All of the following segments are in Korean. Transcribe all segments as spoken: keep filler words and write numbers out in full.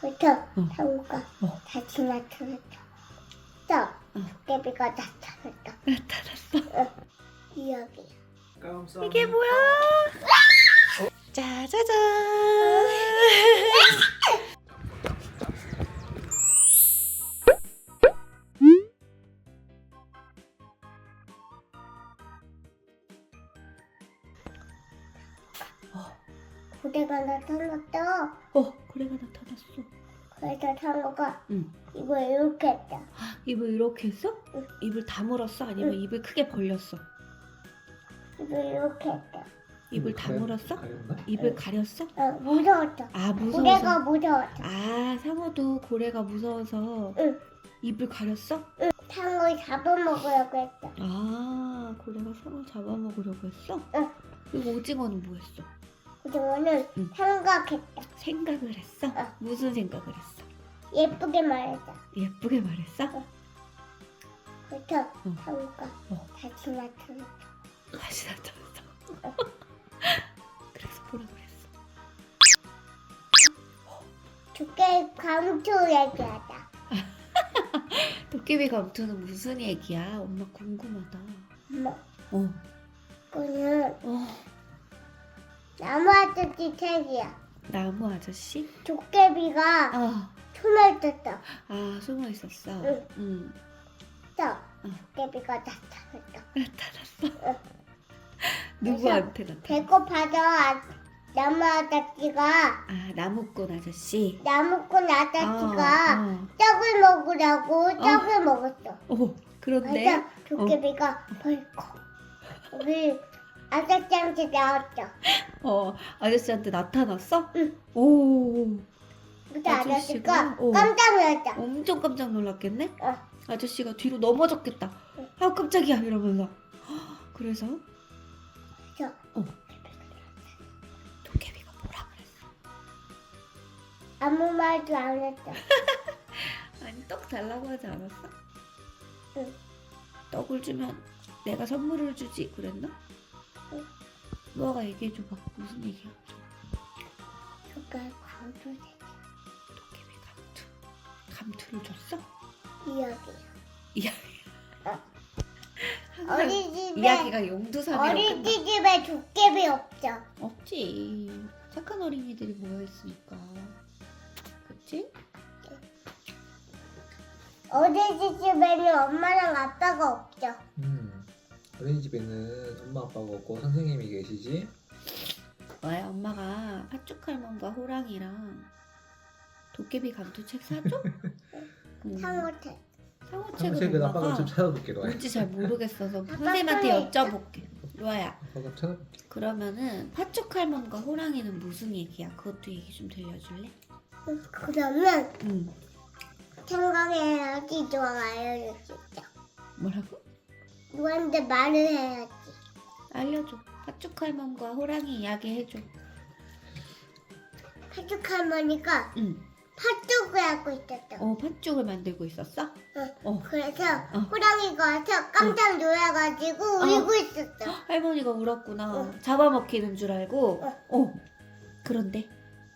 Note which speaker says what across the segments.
Speaker 1: 부터
Speaker 2: 어.
Speaker 1: 상우가
Speaker 2: 어.
Speaker 1: 다시 나타났다. 또
Speaker 2: 어.
Speaker 1: 도깨비가 나타났다.
Speaker 2: 나타났어.
Speaker 1: 이야기야.
Speaker 2: 이게 뭐야? 짜자잔.
Speaker 1: 고래가 나타났다.
Speaker 2: 어, 고래가 나타났어.
Speaker 1: 그래서 상우가
Speaker 2: 응.
Speaker 1: 이거 이렇게 했다.
Speaker 2: 입을 이렇게 했어?
Speaker 1: 응.
Speaker 2: 입을 다물었어? 아니면
Speaker 1: 응.
Speaker 2: 입을 크게 벌렸어?
Speaker 1: 이거 이렇게 했다.
Speaker 2: 입을
Speaker 3: 가려-
Speaker 2: 다물었어?
Speaker 3: 가렸나?
Speaker 2: 입을 가렸어?
Speaker 1: 어, 무서웠다.
Speaker 2: 아, 무서워서.
Speaker 1: 고래가 무서웠다.
Speaker 2: 아, 상어도 고래가 무서워서
Speaker 1: 응.
Speaker 2: 입을 가렸어?
Speaker 1: 상우 잡아먹으려고 했다.
Speaker 2: 아, 고래가 상어 잡아먹으려고 했어?
Speaker 1: 응.
Speaker 2: 그리고 오징어는 뭐 했어?
Speaker 1: 그동안은
Speaker 2: 응.
Speaker 1: 생각했다.
Speaker 2: 생각을 했어?
Speaker 1: 어.
Speaker 2: 무슨 생각을 했어?
Speaker 1: 예쁘게 말했다.
Speaker 2: 예쁘게 말했어?
Speaker 1: 그래서
Speaker 2: 응.
Speaker 1: 상우가
Speaker 2: 어.
Speaker 1: 다시 나타났다.
Speaker 2: 다시 나타났어. 그래서 뭐라 그랬어?
Speaker 1: 두께 감초 얘기하자.
Speaker 2: 도깨비 감투는 무슨 얘기야? 엄마 궁금하다.
Speaker 1: 엄마,
Speaker 2: 어,
Speaker 1: 그거는
Speaker 2: 어,
Speaker 1: 나무 아저씨 책이야.
Speaker 2: 나무 아저씨?
Speaker 1: 도깨비가
Speaker 2: 아,
Speaker 1: 숨을 떴다.
Speaker 2: 아 숨어 있었어.
Speaker 1: 응.
Speaker 2: 응.
Speaker 1: 또
Speaker 2: 응.
Speaker 1: 도깨비가 나타났다.
Speaker 2: 나타났어.
Speaker 1: 응.
Speaker 2: 누구한테 나타났어?
Speaker 1: 배고파서 아, 나무 아저씨가
Speaker 2: 아, 나무꾼 아저씨.
Speaker 1: 나무꾼 아저씨가
Speaker 2: 어, 어.
Speaker 1: 떡을 먹으라고 떡을 먹었어.
Speaker 2: 오, 그런데
Speaker 1: 그래서 도깨비가 벌컥 우리 아저씨한테 나왔죠.
Speaker 2: 어 아저씨한테 나타났어?
Speaker 1: 응.
Speaker 2: 오,
Speaker 1: 그래서
Speaker 2: 아저씨가?
Speaker 1: 아저씨가
Speaker 2: 어.
Speaker 1: 깜짝 놀랐다.
Speaker 2: 엄청 깜짝 놀랐겠네?
Speaker 1: 어.
Speaker 2: 아저씨가 뒤로 넘어졌겠다.
Speaker 1: 응.
Speaker 2: 아 깜짝이야 이러면서. 그래서
Speaker 1: 그래서
Speaker 2: 어. 도깨비가 뭐라 그랬어?
Speaker 1: 아무 말도 안 했다.
Speaker 2: 아니 떡 달라고 하지 않았어?
Speaker 1: 응.
Speaker 2: 떡을 주면 내가 선물을 주지 그랬나?
Speaker 1: 응.
Speaker 2: 너가 얘기해줘봐. 무슨 얘기야?
Speaker 1: 그가 광주대
Speaker 2: 도깨비 감투. 감투를 줬어?
Speaker 1: 이야기야.
Speaker 2: 이야기.
Speaker 1: 어.
Speaker 2: 항상
Speaker 1: 어린이집에
Speaker 2: 이야기가 용두사미로 끝나.
Speaker 1: 어린이집에 도깨비 없죠.
Speaker 2: 없지. 착한 어린이들이 모여있으니까. 그치?
Speaker 1: 어린이집에는 엄마랑 아빠가 없죠.
Speaker 3: 음. 어린이집에는 엄마 아빠가 없고 선생님이 계시지?
Speaker 2: 왜 엄마가 팥죽할멈과 호랑이랑 도깨비 감투책 사줘? 음,
Speaker 1: 상어태.
Speaker 2: 상어책을
Speaker 3: 상책은 아빠가
Speaker 2: 엄마가
Speaker 3: 좀 찾아볼게 로아야.
Speaker 2: 뭔지 잘 모르겠어서
Speaker 1: 아빠
Speaker 2: 선생님한테
Speaker 1: 손에 있다.
Speaker 2: 여쭤볼게. 로아야,
Speaker 3: 아빠가 찾아볼게.
Speaker 2: 그러면은 팥죽할멈과 호랑이는 무슨 얘기야? 그것도 얘기 좀 들려줄래?
Speaker 1: 그러면
Speaker 2: 응.
Speaker 1: 생각해야지 너가 알려줄 수 있죠.
Speaker 2: 뭐라고?
Speaker 1: 누구한테 말을 해야지.
Speaker 2: 알려줘. 팥죽할멈과 호랑이 이야기 해줘.
Speaker 1: 팥죽 할머니가
Speaker 2: 응.
Speaker 1: 팥죽을 하고 있었어.
Speaker 2: 어, 팥죽을 만들고 있었어?
Speaker 1: 응.
Speaker 2: 어.
Speaker 1: 그래서
Speaker 2: 어.
Speaker 1: 호랑이가 와서 깜짝 놀라가지고
Speaker 2: 어.
Speaker 1: 울고 있었어.
Speaker 2: 할머니가 울었구나.
Speaker 1: 어.
Speaker 2: 잡아먹히는 줄 알고.
Speaker 1: 어.
Speaker 2: 어. 그런데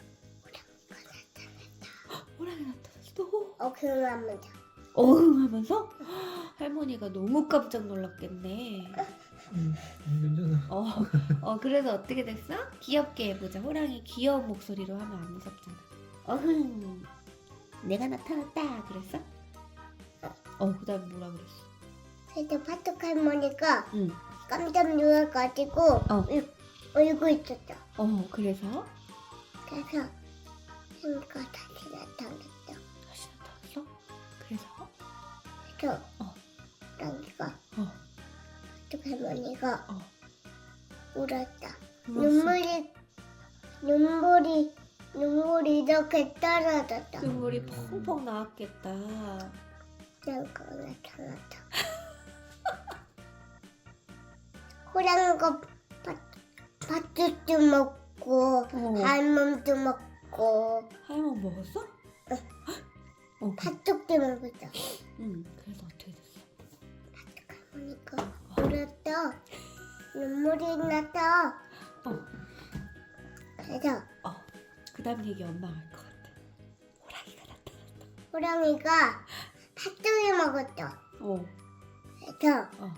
Speaker 2: 호랑이 나타났어.
Speaker 1: 어, 그러면서
Speaker 2: 어흥 하면서 할머니가 너무 깜짝 놀랐겠네.
Speaker 3: 음, 음, 괜찮아.
Speaker 2: 어, 어 그래서 어떻게 됐어? 귀엽게 해보자. 호랑이 귀여운 목소리로 하면 안 무섭잖아. 어흥, 내가 나타났다. 그랬어? 어, 그다음 뭐라 그랬어?
Speaker 1: 그래서 팥죽 할머니가
Speaker 2: 응.
Speaker 1: 깜짝 놀라가지고
Speaker 2: 어.
Speaker 1: 울, 울고 있었어.
Speaker 2: 어, 그래서
Speaker 1: 그래서 생가 다시 나타났어.
Speaker 2: 다시 나타났어? 그래서
Speaker 1: 그래서
Speaker 2: 어.
Speaker 1: 호랑이가
Speaker 2: 어.
Speaker 1: 팥죽 할머니가
Speaker 2: 어.
Speaker 1: 울었다.
Speaker 2: 울었어.
Speaker 1: 눈물이 눈물이 눈물이 이렇게 떨어졌다.
Speaker 2: 눈물이 펑펑 나왔겠다.
Speaker 1: 호랑이가 나타났다. 호랑이가 팥- 팥죽도 먹고
Speaker 2: 어.
Speaker 1: 알몸도 먹고
Speaker 2: 할머니 먹었어? 어.
Speaker 1: 팥죽도 먹었어.
Speaker 2: 응. 그래서 어떻게 됐어?
Speaker 1: 할머니가 울었다. 눈물이 났다.
Speaker 2: 어.
Speaker 1: 그래서
Speaker 2: 어. 그다음 얘기 엄마가 할 것 같아. 호랑이
Speaker 1: 호랑이가 팥죽을 먹었어.
Speaker 2: 어.
Speaker 1: 그래서
Speaker 2: 어.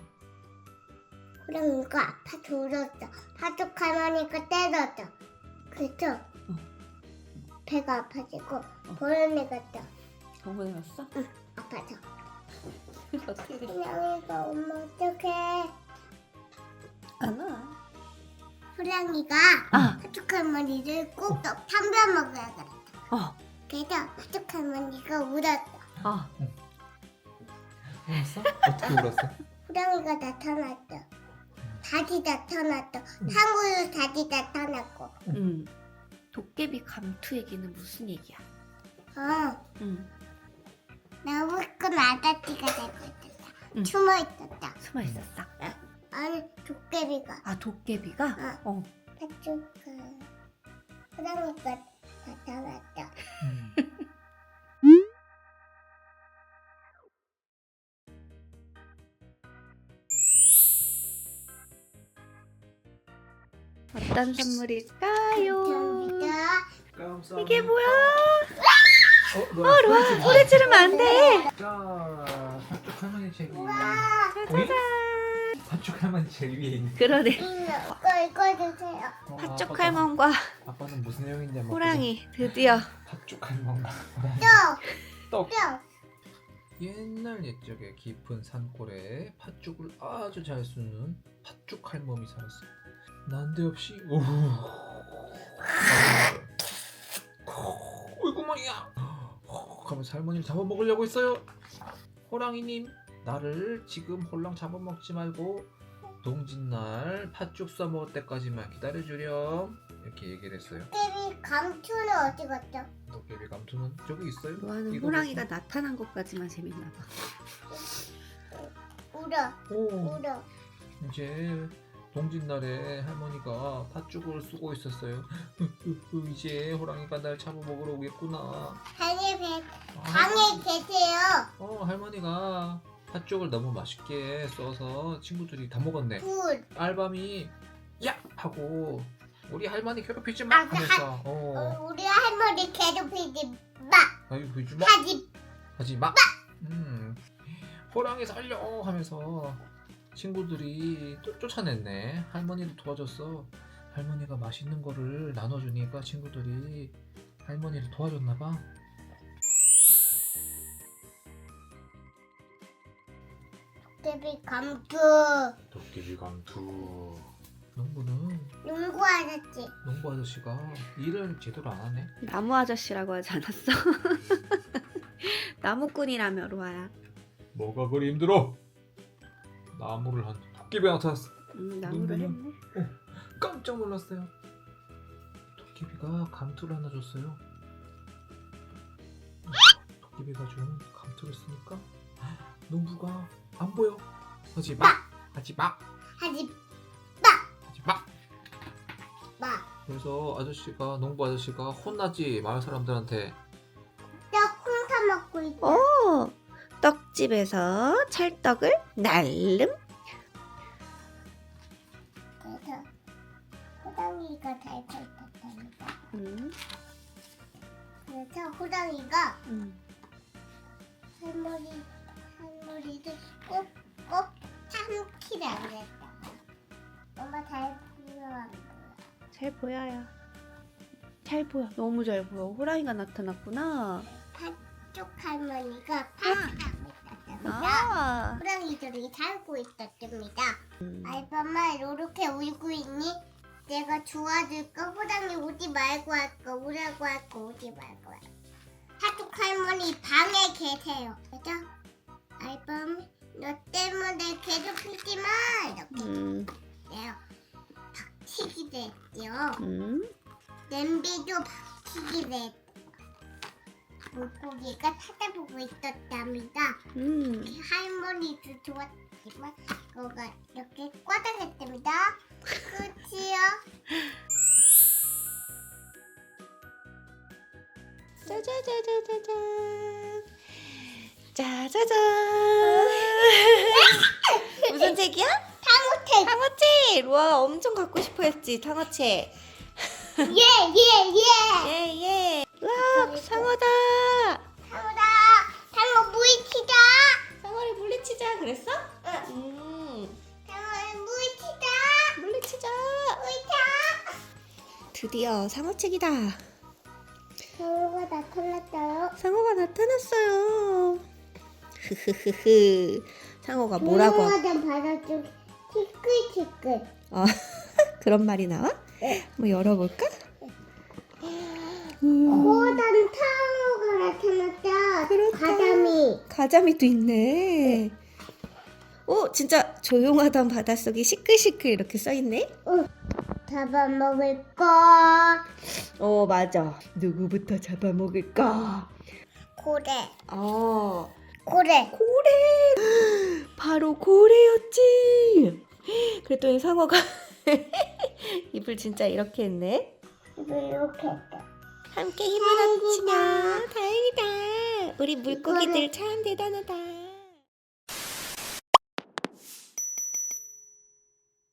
Speaker 1: 호랑이가 아파 졸었어. 팥죽 할머니가 때렸어. 그래서 배가 아파지고 병원에 갔다.
Speaker 2: 병원에 갔어?
Speaker 1: 아파서.
Speaker 2: 어떻게 됐어?
Speaker 1: 호랑이가 엄마 어떡해.
Speaker 2: 안 와.
Speaker 1: 호랑이가
Speaker 2: 아.
Speaker 1: 팥죽 할머니를 꼭 참배 먹어야 그랬다.
Speaker 2: 어.
Speaker 1: 그래서 팥죽 할머니가 울었어.
Speaker 2: 아.
Speaker 3: 울었어? 어떻게 울었어?
Speaker 1: 호랑이가 나타났어. 다시 나타났어. 탕후루 다시 나타났고.
Speaker 2: 응. 도깨비 감투 얘기는 무슨 얘기야?
Speaker 1: 어,
Speaker 2: 응.
Speaker 1: 나무꾼 아저씨가 되고 있었다.
Speaker 2: 응.
Speaker 1: 숨어 있었다.
Speaker 2: 숨어 있었어.
Speaker 1: 아니, 도깨비가.
Speaker 2: 아 도깨비가? 어.
Speaker 1: 팥죽가 호랑이가 나타났다.
Speaker 3: 음.
Speaker 2: 어떤 선물일까요?
Speaker 1: 감사합니다.
Speaker 2: 이게 뭐야?
Speaker 3: 어, 로아,
Speaker 2: 로아 소리 지르면 안 돼.
Speaker 3: 자, 팥죽 할머니 책 위에
Speaker 1: 와,
Speaker 3: 어이? 팥죽 할머니 책 위에 있는
Speaker 2: 그러네.
Speaker 1: 이거 이거 주세요.
Speaker 3: 어,
Speaker 2: 팥죽
Speaker 3: 아빠도-
Speaker 2: 할멈과
Speaker 3: 아빠는 무슨 내용인지 한번
Speaker 2: 호랑이 드디어.
Speaker 3: 보자. 팥죽 할멈과 호랑이
Speaker 1: 또,
Speaker 3: 떡
Speaker 1: 또.
Speaker 3: 옛날 옛적에 깊은 산골에 팥죽을 아주 잘 쑤는 팥죽 할멈이 살았어. 난데없이 오후 어이구 뭐야 하면서 할머니를 잡아먹으려고 했어요. 호랑이님, 나를 지금 홀랑 잡아먹지 말고 동짓날 팥죽 써먹을 때까지만 기다려주렴, 이렇게 얘기를 했어요.
Speaker 1: 도깨비 감투는 어디 갔죠?
Speaker 3: 도깨비 감투는 저기 있어요.
Speaker 2: 로아는
Speaker 3: 이거
Speaker 2: 호랑이가
Speaker 3: 보세요.
Speaker 2: 나타난 것까지만 재밌나 봐.
Speaker 1: 울어,
Speaker 3: 오,
Speaker 1: 울어.
Speaker 3: 이제 동짓날에 할머니가 팥죽을 쓰고 있었어요. 이제 호랑이가 날 잡아먹으러 오겠구나.
Speaker 1: 방에 배,
Speaker 3: 아,
Speaker 1: 방에 계세요.
Speaker 3: 어, 할머니가 팥죽을 너무 맛있게 써서 친구들이 다 먹었네.
Speaker 1: 굿.
Speaker 3: 알밤이 야! 하고 우리 할머니 괴롭히지 마!
Speaker 1: 아, 그
Speaker 3: 하면서 어,
Speaker 1: 어, 우리 할머니 괴롭히지 마.
Speaker 3: 아유 보이지 마!
Speaker 1: 하지
Speaker 3: 하지 마! 음, 호랑이 살려! 하면서 친구들이 또 쫓아냈네. 할머니도 도와줬어. 할머니가 맛있는 거를 나눠주니까 친구들이 할머니를 도와줬나봐.
Speaker 1: 도깨비 감투.
Speaker 3: 도깨비 감투. 농부는
Speaker 1: 농구 아저씨.
Speaker 3: 농부 아저씨가 일을 제대로 안 하네.
Speaker 2: 나무 아저씨라고 하지 않았어? 나무꾼이라며 로아야.
Speaker 3: 뭐가 그리 힘들어? 나무를 한 도깨비가 나타났어.
Speaker 2: 음, 나무를
Speaker 3: 농부는
Speaker 2: 했네.
Speaker 3: 깜짝 놀랐어요. 도깨비가 감투를 하나 줬어요. 도깨비가 준 감투를 쓰니까 농부가 안 보여. 하지 마. 하지 마.
Speaker 1: 하지
Speaker 3: 하지 마.
Speaker 1: 마.
Speaker 3: 그래서 아저씨가 농부 아저씨가 혼나지 마을 사람들한테.
Speaker 1: 나 혼자 먹고 있다.
Speaker 2: 오, 떡집에서 찰떡을 날름.
Speaker 1: 그래서 호랑이가 달고 있었답니다.
Speaker 2: 음,
Speaker 1: 그래서 호랑이가
Speaker 2: 음.
Speaker 1: 할머니 할머니를 꼭꼭 참기를 안 했다. 엄마 잘 보여한 거야.
Speaker 2: 잘 보여요. 잘 보여. 너무 잘 보여. 호랑이가 나타났구나.
Speaker 1: 팥죽 할머니가 파티하고 있었답니다.
Speaker 2: 아,
Speaker 1: 호랑이들이 살고 있었답니다.
Speaker 2: 음.
Speaker 1: 알밤아 이렇게 울고 있니? 내가 도와줄까? 호랑이 오지 말고 할까? 오라고 할까? 오지 말고 할까? 팥죽 할머니 방에 계세요. 그죠? 알밤 너 때문에 괴롭히지 마! 이렇게
Speaker 2: 음,
Speaker 1: 해요. 박치기도 했죠.
Speaker 2: 음.
Speaker 1: 냄비도 박치기도 했죠. 물고기가 찾아보고 있었답니다.
Speaker 2: 음.
Speaker 1: 할머니도 좋았지만 그거가 이렇게 꽈당했답니다. 끝이요.
Speaker 2: 짜자자자자잔. 짜자잔. 무슨 책이야?
Speaker 1: 탕후책.
Speaker 2: 탕어책. 로아가 엄청 갖고 싶어 했지, 탕어책.
Speaker 1: 예예예.
Speaker 2: 예, 예. 와, 상어다.
Speaker 1: 탕후다.
Speaker 2: 드디어 상어책이다.
Speaker 1: 상어가 나타났어요.
Speaker 2: 상어가 나타났어요. 흐흐흐흐. 상어가 뭐라고? 하...
Speaker 1: 조용하던 바닷속 티끌티끌.
Speaker 2: 어, 그런 말이 나와?
Speaker 1: 네.
Speaker 2: 한번 열어볼까? 음,
Speaker 1: 커다란 상어가 나타났다.
Speaker 2: 그렇다.
Speaker 1: 가자미.
Speaker 2: 가자미도 있네. 오, 진짜 조용하던 바닷속이 시끌시끌 이렇게 써있네.
Speaker 1: 잡아먹을 거.
Speaker 2: 어, 맞아. 누구부터 잡아먹을까?
Speaker 1: 고래.
Speaker 2: 어,
Speaker 1: 고래.
Speaker 2: 고래. 바로 고래였지. 그랬더니 상어가 입을 진짜 이렇게 했네.
Speaker 1: 이렇게 했다.
Speaker 2: 함께 힘을 합치자. 다행이다. 우리 물고기들 참 대단하다.